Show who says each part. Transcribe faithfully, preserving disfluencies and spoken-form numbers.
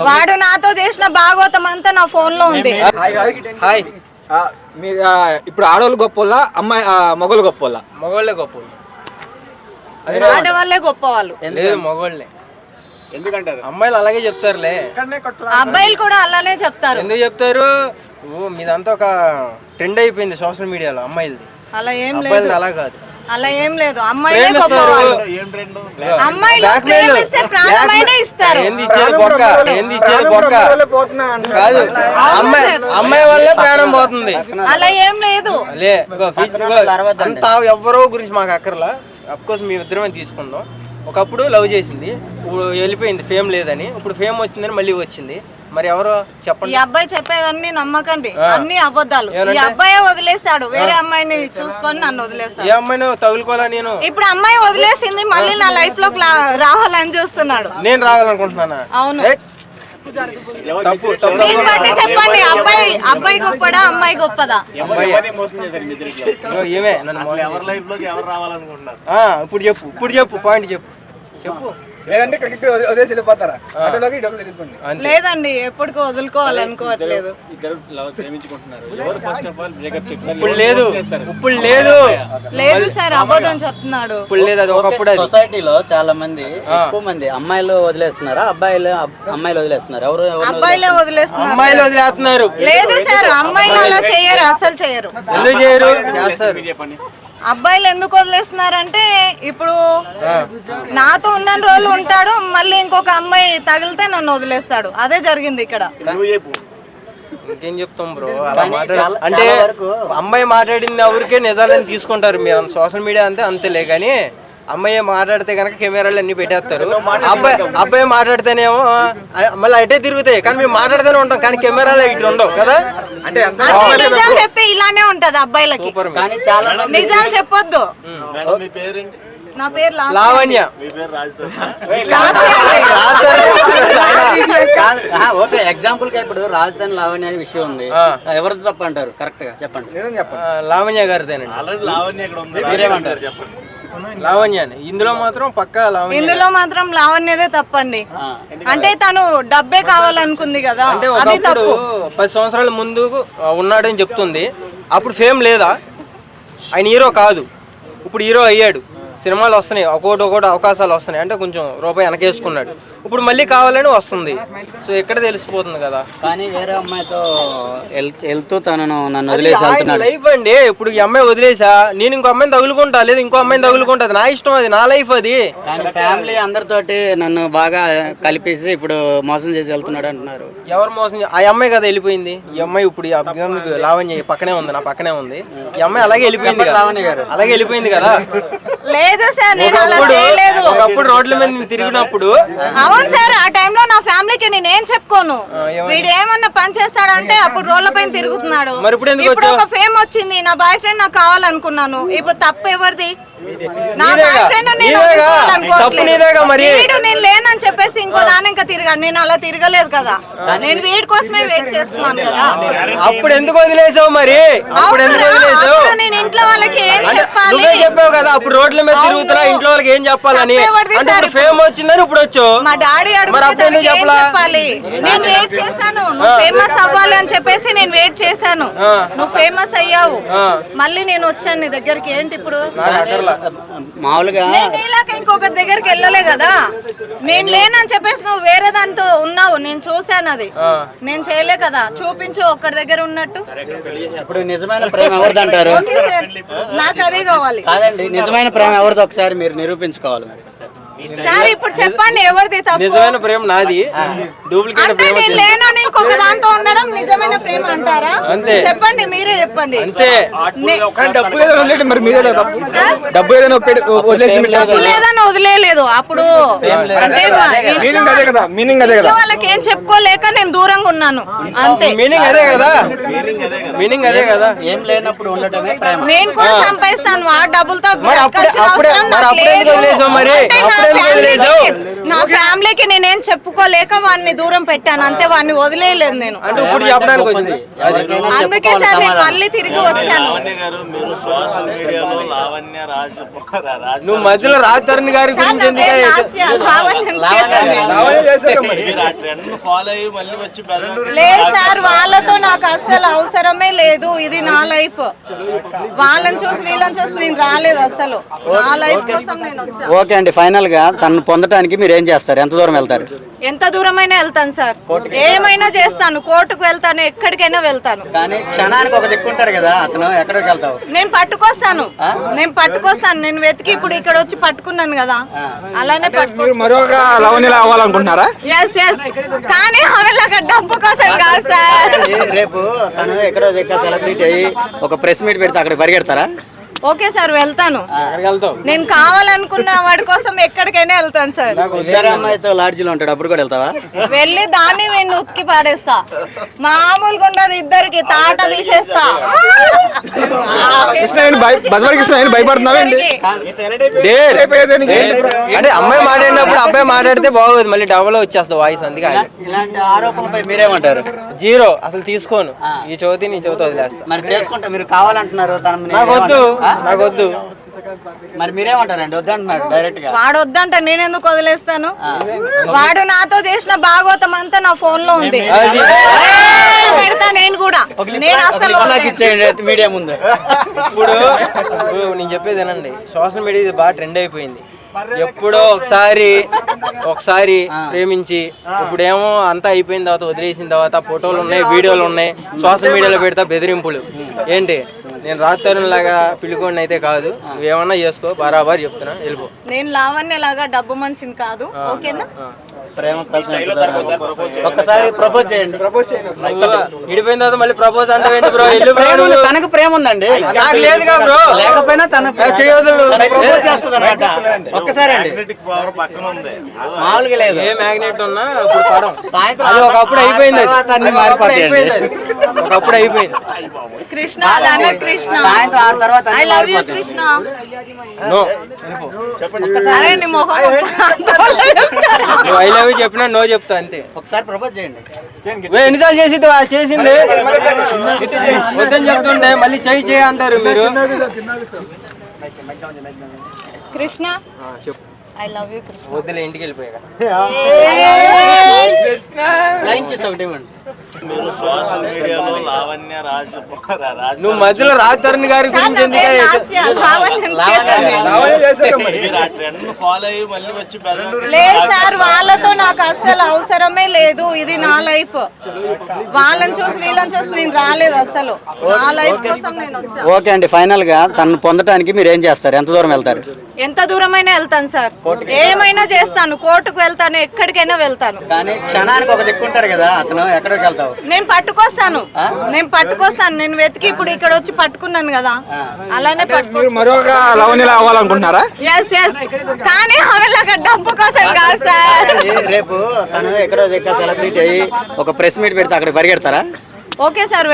Speaker 1: వాడు నాతో చేసిన భాగవతం అంతా నా ఫోన్ లో ఉంది.
Speaker 2: హాయ్, మీరు ఇప్పుడు ఆడవాళ్ళు గొప్ప అమ్మాయి మగవాళ్ళు గొప్ప మగవాళ్ళే గొప్ప
Speaker 1: ఆడవాళ్ళే గొప్ప వాళ్ళు
Speaker 2: లేదు మగవాళ్ళే. ఎందుకంటారు? అమ్మాయిలు అలాగే చెప్తారులే,
Speaker 1: అబ్బాయిలు కూడా అలానే చెప్తారు.
Speaker 2: ఎందుకు చెప్తారు? ఓ మీదంతా ఒక ట్రెండ్ అయిపోయింది సోషల్ మీడియాలో అమ్మాయిలది.
Speaker 1: అలా ఏం
Speaker 2: లేదు, అలా కాదు,
Speaker 1: అలా ఏం లేదు. అమ్మాయిలే గొప్ప వాళ్ళు. అమ్మాయిలు ప్రేమిస్తే ప్రాణమైనా ఇస్తారు.
Speaker 2: ఏంది ఇచ్చేది బొక్క, ఏంది ఇచ్చేది బొక్క కాదు, అమ్మాయి అమ్మాయి వల్లే ప్రాణం పోతుంది.
Speaker 1: అలా ఏం లేదు.
Speaker 2: లే అంతా ఎవరో గురించి మాకు అక్కర్లా. అఫ్కోర్స్ మీ ఇద్దరమే తీసుకుందాం. ఒకప్పుడు లవ్ చేసింది, ఇప్పుడు వెళ్ళిపోయింది ఫేమ్ లేదని. ఇప్పుడు ఫేమ్ వచ్చిందని మళ్ళీ వచ్చింది. మరి ఎవరో చెప్పండి.
Speaker 1: ఈ అబ్బాయి చెప్పేవన్నీ నమ్మకండి, అన్ని అబద్ధాలు. ఈ అబ్బాయి వదిలేస్తాడు, వేరే అమ్మాయిని చూసుకొని నన్ను వదిలేస్తాడు.
Speaker 2: ఏ అమ్మాయిని తగులుకోవాలా నేను?
Speaker 1: ఇప్పుడు అమ్మాయి వదిలేసింది, మళ్ళీ నా లైఫ్ లో రావాలని చూస్తున్నాడు.
Speaker 2: నేను రావాలనుకుంటున్నానా?
Speaker 1: అవును.
Speaker 2: తప్పు తప్పు.
Speaker 1: దీన్ని బట్టి చెప్పండి, అబ్బాయి అబ్బాయి గొప్పదా అమ్మాయి గొప్పదా?
Speaker 2: ఏమే నన్ను ఇప్పుడు చెప్పు, ఇప్పుడు చెప్పు పాయింట్ చెప్పు చెప్పు.
Speaker 1: లేదండి, ఎప్పటికీ వదులుకోవాలనుకోవట్లేదు.
Speaker 2: ఇప్పుడు లేదు, ఇప్పుడు లేదు
Speaker 3: లేదు
Speaker 1: సార్, అబద్ధం చెప్తున్నాడు.
Speaker 2: ఇప్పుడు లేదు. అది ఒకప్పుడు
Speaker 3: సొసైటీలో చాలా మంది ఎక్కువ మంది అమ్మాయిలు వదిలేస్తున్నారా అబ్బాయిలు అమ్మాయిలు వదిలేస్తున్నారు? ఎవరు?
Speaker 1: అబ్బాయిలే వదిలేస్తున్నారు.
Speaker 2: అమ్మాయిలు వదిలేస్తున్నారు.
Speaker 1: లేదు సార్, అమ్మాయిలు అలా చేయరు, అసలు చేయరు.
Speaker 2: ఎందుకు చేయరు?
Speaker 1: అబ్బాయిలు ఎందుకు వదిలేస్తున్నారంటే, ఇప్పుడు నాతో ఉన్న రోజులు ఉంటాడు, మళ్ళీ ఇంకొక అమ్మాయి తగిలితే నన్ను వదిలేస్తాడు. అదే జరిగింది ఇక్కడ.
Speaker 2: ఇంకేం చెప్తాం బ్రో, అలా మాట్లాడ అంటే అమ్మాయి మాట్లాడింది ఎవరికే నిజాలని తీసుకుంటారు మీరు. సోషల్ మీడియా అంతే అంతేలే. కానీ అమ్మాయి మాట్లాడితే కనుక కెమెరాలు అన్ని పెట్టేస్తారు. అబ్బాయి అబ్బాయి మాట్లాడితేనేమో మళ్ళీ అటే తిరుగుతాయి. కానీ మేము మాట్లాడితేనే ఉంటాం, కానీ కెమెరాలు ఇటు ఉండవు కదా. అంటే
Speaker 1: నిజాలు చెప్తే ఇలానే ఉంటది అబ్బాయిలకి. నిజాలు చెప్పొద్దు. నా పేరు
Speaker 2: లావణ్య.
Speaker 3: ఓకే, ఎగ్జాంపుల్ గా ఇప్పుడు రాజధాని లావణ్య అనే విషయం ఉంది. ఎవరిది తప్ప అంటారు? కరెక్ట్ గా చెప్పండి.
Speaker 2: లావణ్య గారిదేనండి. మీరేమంటారు చెప్పండి? లావణ్య ఇందులో మాత్రం పక్కా లావణ్య,
Speaker 1: ఇందులో మాత్రం లావణ్యదే తప్పండి. అంటే తను డబ్బే కావాలనుకుంది కదా, అది తప్పు.
Speaker 2: పది సంవత్సరాల ముందు ఉన్నాడని చెప్తుంది. అప్పుడు ఫేమ్ లేదా? ఆయన హీరో కాదు, ఇప్పుడు హీరో అయ్యాడు. సినిమాలు వస్తున్నాయి, ఒకటి ఒకటి అవకాశాలు వస్తున్నాయి. అంటే కొంచెం రూపాయి వెనకేసుకున్నాడు, ఇప్పుడు మళ్ళీ కావాలని వస్తుంది. సో ఎక్కడ తెలిసిపోతుంది కదా.
Speaker 3: కానీ వేరే అమ్మాయితో వెళ్తూ తనను నన్ను వదిలేసి వెళ్తున్నాడు.
Speaker 2: లైఫ్ అండి. ఇప్పుడు ఈ అమ్మాయి వదిలేసా, నేను ఇంకో అమ్మాయిని తగులుకుంటా, లేదు ఇంకో అమ్మాయిని తగులుకుంటా, నా ఇష్టం, అది నా లైఫ్. అది
Speaker 3: కానీ ఫ్యామిలీ అందరితోటి నన్ను బాగా కలిపేసి ఇప్పుడు మోసం చేసి వెళ్తున్నాడు అంటున్నారు.
Speaker 2: ఎవరు మోసం? ఆ అమ్మాయి కదా వెళ్ళిపోయింది. ఈ అమ్మాయి ఇప్పుడు లావణ్య పక్కనే ఉంది, నా పక్కనే ఉంది. ఈ అమ్మాయి అలాగే వెళ్ళిపోయింది, లావణ్య గారు అలాగే వెళ్ళిపోయింది కదా.
Speaker 1: లేదు సార్, నేను అలా చేయలేదు.
Speaker 2: ఒకప్పుడు రోడ్ల మీద నేను తిరిగినప్పుడు.
Speaker 1: అవును సార్, ఆ టైంలో నా ఫ్యామిలీకి నేను ఏం చెప్పుకోను. వీడు ఏమన్నా పని చేస్తాడంటే అప్పుడు రోడ్ల పైన తిరుగుతున్నాడు. ఇప్పుడు ఒక ఫేమ్ వచ్చింది, నా బాయ్ ఫ్రెండ్ నాకు కావాలనుకున్నాను. ఇప్పుడు తప్పు ఎవరిది? నా బాయ్ ఫ్రెండ్ నేను నేను లేనని చెప్పేసి ఇంకో దాని ఇంకా తిరిగాడు. నేను అలా తిరగలేదు కదా, నేను వీడి కోసమే వెయిట్ చేస్తున్నాను కదా.
Speaker 2: అప్పుడు ఎందుకు వదిలేసావు మరి? అప్పుడు ఎందుకు వదిలేసావు?
Speaker 1: నేను ఇంట్లో వాళ్ళకి ఏం చెప్పాలి?
Speaker 2: చెప్పావు కదా అప్పుడు రోడ్ల మీద తిరుగుతున్నా, ఇంట్లో వాళ్ళకి ఏం చెప్పాలని. అంటే ఫేమ్ వచ్చిందని ఇప్పుడు వచ్చావు.
Speaker 1: మా డాడీ అడుగుతే చెప్పాలి. నేను వెయిట్ చేశాను, నువ్వు ఫేమస్ అవ్వాలి అని చెప్పేసి నేను వెయిట్ చేశాను. నువ్వు ఫేమస్ అయ్యావు, మళ్ళీ నేను వచ్చాను నీ దగ్గరికి. ఏంటి ఇప్పుడు?
Speaker 3: మామూలుగా
Speaker 1: ఇంకొకరి దగ్గరికి వెళ్ళలే కదా. నేను లేనని చెప్పేసి నువ్వు వేరే దాంతో ఉన్నావు, నేను చూశాను. అది నేను చేయలే కదా. చూపించు ఒక్కడి దగ్గర ఉన్నట్టు.
Speaker 3: ఇప్పుడు నిజమైన ప్రేమ ఎవరిది అంటారు?
Speaker 1: నాకు అదే కావాలి.
Speaker 3: కాదండి, నిజమైన ప్రేమ ఎవరిది ఒకసారి మీరు నిరూపించుకోవాలి. మరి
Speaker 1: సార్ ఇప్పుడు చెప్పండి, ఎవరిది తప్పు?
Speaker 2: నిజమైన ప్రేమ నాది, డూప్లికేట్ ప్రేమ
Speaker 1: నేను లేనని ఇంకొక దాంతో ఉండడం నిజమైన ప్రేమ అంటారా? అంతే. చెప్పండి, మీరే చెప్పండి.
Speaker 2: అంతే.
Speaker 4: డబ్బు ఏదైనా మరి మీరే తప్పు. డబ్బు ఏదైనా
Speaker 1: డబ్బు లేదని వదిలేదు. అప్పుడు అంటే
Speaker 4: మీనింగ్ అదే కదా.
Speaker 1: వాళ్ళకి ఏం చెప్పుకోలేక నేను దూరంగా ఉన్నాను, అంతే.
Speaker 2: మీనింగ్ అదే కదా, మీనింగ్ అదే కదా.
Speaker 3: ఏం లేనప్పుడు ఉండటమే ప్రేమ.
Speaker 1: నేను కూడా సంపాదిస్తాను ఆ డబ్బులతో.
Speaker 2: మరి అప్పుడే మరి అప్పుడే వదిలేసావు మరి?
Speaker 1: ఫ్యామిలీకి నా ఫ్యామిలీకి నేనేం చెప్పుకోలేక వాడిని దూరం పెట్టాను అంతే, వాడిని వదిలేయలేదు నేను.
Speaker 2: అంటే ఇప్పుడు చెప్పడానికి వచ్చింది
Speaker 1: అందుకే సార్ నేను మళ్ళీ తిరిగి వచ్చాను.
Speaker 2: నువ్వు మధ్యలో రాజధరణి గారి
Speaker 1: సార్,
Speaker 2: గురించి
Speaker 1: నా
Speaker 2: ఎందుకు
Speaker 1: పేరు లాస్య, లావణ్య. లేదు సార్, వాళ్ళతో నాకు అస్సలు అవసరమే లేదు. ఇది నా లైఫ్. వాళ్ళని చూసి వీళ్ళని చూసి నేను రాలేదు అసలు. నా లైఫ్ కోసం నేను వచ్చాను.
Speaker 3: ఓకే అండి, ఫైనల్ గా తను పొందడానికి మీరు ఏం చేస్తారు? ఎంత దూరం వెళ్తారు?
Speaker 1: ఎంత దూరమైనా వెళ్తాను సార్, ఏమైనా చేస్తాను. కోర్టుకు వెళ్తాను, ఎక్కడికైనా వెళ్తాను.
Speaker 3: కానీ క్షణానికి ఒక దిక్కు ఉంటాడు కదా, అతను ఎక్కడికి వెళ్తావు?
Speaker 1: నేను పట్టుకొస్తాను, నేను పట్టుకొస్తాను. నేను వెతికి ఇప్పుడు ఇక్కడ వచ్చి పట్టుకున్నాను కదా, అలానే పట్టుకో.
Speaker 4: మరొక లవణిలా అవ్వాలనుకుంటున్నారా?
Speaker 1: ఎస్ ఎస్ కానీ ఆమెలాగా డబ్బు కోసం కాదు సార్.
Speaker 3: రేపు తను ఎక్కడో దగ్గర సెలబ్రిటీ అయ్యి ఒక ప్రెస్ మీట్ పెడితే అక్కడ పరిగెడతారా?
Speaker 1: ఓకే సార్, వెళ్తాను.
Speaker 2: ఎక్కడికి వెళ్తావు?
Speaker 1: నేను కావాలనుకున్న వాడి కోసం ఎక్కడికైనా వెళ్తాను సార్.
Speaker 3: వేరే అమ్మాయితో లాడ్జిలో ఉంటాడు, అప్పుడు కూడా వెళ్తావా?
Speaker 1: వెళ్ళి దాన్ని నేను ఉతికి పాడేస్తా. మామూలుగా ఉండదు, ఇద్దరికి తాట తీసేస్తా.
Speaker 4: కృష్ణ బస్వాడి కృష్ణ భయపడుతున్నావేంటి?
Speaker 2: అంటే అమ్మాయి మాట్లాడినప్పుడు అబ్బాయి మాట్లాడితే బాగోదు, మళ్ళీ డబల్ వచ్చేస్తుంది వాయిస్. అందుకే ఆగి.
Speaker 3: ఇలాంటి ఆరోపణలపై మీరేమంటారు?
Speaker 2: జీరో అసలు తీసుకోను. ఈ చవితి నీ చవితి వదిలేస్తా.
Speaker 3: మరి చేసుకుంటే మీరు కావాలంటున్నారు, తన
Speaker 2: నాకు వద్దు, నాకు వద్దు.
Speaker 3: మరి మీరేమంటారండి? వద్దంటున్నారు డైరెక్ట్ గా.
Speaker 1: వాడు వద్దంట నేను ఎందుకు వదిలేస్తాను? వాడు నాతో చేసిన భాగవతం అంతా నా ఫోన్ లో ఉంది, పెడతా నేను కూడా. నేను అసలు
Speaker 3: నాకు ఇచ్చేయండి మీడియా ముందు.
Speaker 2: ఇప్పుడు ఇప్పుడు నేను చెప్పేది ఏనండి, సోషల్ మీడియా ఇది బాగా ట్రెండ్ అయిపోయింది. ఎప్పుడో ఒకసారి ఒకసారి ప్రేమించి ఇప్పుడేమో అంతా అయిపోయిన తర్వాత వదిలేసిన తర్వాత ఫోటోలు ఉన్నాయి, వీడియోలు ఉన్నాయి, సోషల్ మీడియాలో పెడతా బెదిరింపులు. ఏంటి, నేను రాత్రి లాగా పిలుకోండి అయితే కాదు, నువ్వేమన్నా చేసుకో, బరాబర్ చెప్తున్నా, వెళ్ళిపో.
Speaker 1: నేను లావణ్య లాగా డబ్బు మనిషిని కాదు, ఓకేనా?
Speaker 3: ప్రేమ ఒక్కసారి ప్రపోజ్ చేయండి.
Speaker 2: విడిపోయిన తర్వాత మళ్ళీ ప్రపోజ్ అంటే బ్రో?
Speaker 3: తనకు ప్రేమ ఉందండి,
Speaker 2: నాకు లేదుగా బ్రో.
Speaker 3: లేకపోయినా తన చేయదు, ప్రపోజ్ చేస్తుంది అనమాట. ఒక్కసారి అండి, మామూలుగా లేదు.
Speaker 2: ఏ మ్యాగ్నెట్ ఉన్నా ఇప్పుడు పడం.
Speaker 3: సాయంత్రం
Speaker 2: అది ఒకప్పుడు అయిపోయింది,
Speaker 3: అన్ని మారిపోతాయి.
Speaker 2: ఒకప్పుడు అయిపోయింది.
Speaker 1: కృష్ణ అలా కృష్ణ,
Speaker 3: సాయంత్రం ఆరు తర్వాత
Speaker 1: I love you Krishna.
Speaker 2: No,
Speaker 1: సరే నీ మొహం
Speaker 2: నువ్వు ఐ లవ్ యూ చెప్పినా నో చెప్తా అంతే.
Speaker 3: ఒకసారి ప్రపోజ్ చేయండి.
Speaker 2: నువ్వు ఎన్నిసార్లు చేసింది చేసింది వద్దని చెప్తుండే మళ్ళీ చేయి చేయి అంటారు మీరు.
Speaker 1: కృష్ణ
Speaker 2: చెప్పు,
Speaker 1: ఐ లవ్ యూ కృష్ణ.
Speaker 2: వద్దులే, ఇంటికి వెళ్ళిపోయాక.
Speaker 3: Thank you so much.
Speaker 2: నువ్వు మధ్యలో రాజధరణి గారి
Speaker 1: సార్,
Speaker 2: గురించి
Speaker 1: నా
Speaker 2: ఎందుకు?
Speaker 1: పేరు లాస్య, లావణ్య. లేదు సార్, వాళ్ళతో నాకు అస్సలు అవసరమే లేదు. ఇది నా లైఫ్. వాళ్ళని చూసి వీళ్ళని చూసి నేను రాలేదు అసలు. నా లైఫ్ కోసం నేను వచ్చాను.
Speaker 3: ఓకే అండి, ఫైనల్ గా తను పొందడానికి మీరు ఏం చేస్తారు? ఎంత దూరం వెళ్తారు?
Speaker 1: ఎంత దూరమైనా వెళ్తాను సార్, ఏమైనా చేస్తాను. కోర్టుకు వెళ్తాను, ఎక్కడికైనా వెళ్తాను.
Speaker 3: కానీ క్షణానికి ఒక దిక్కు ఉంటాడు కదా, అతను ఎక్కడికి వెళ్తావు?
Speaker 1: నేను పట్టుకొస్తాను, నేను పట్టుకొస్తాను. నేను వెతికి ఇప్పుడు ఇక్కడ వచ్చి పట్టుకున్నాను కదా, అలానే పట్టుకో.
Speaker 4: మరొక లవణిలా అవ్వాలనుకుంటున్నారా?
Speaker 1: ఎస్ ఎస్ కానీ ఆమెలాగా డబ్బు కోసం కాదు సార్.
Speaker 3: రేపు తను ఎక్కడో దగ్గర సెలబ్రిటీ అయ్యి ఒక ప్రెస్ మీట్ పెడితే అక్కడ పరిగెడతారా?
Speaker 1: Okay sir,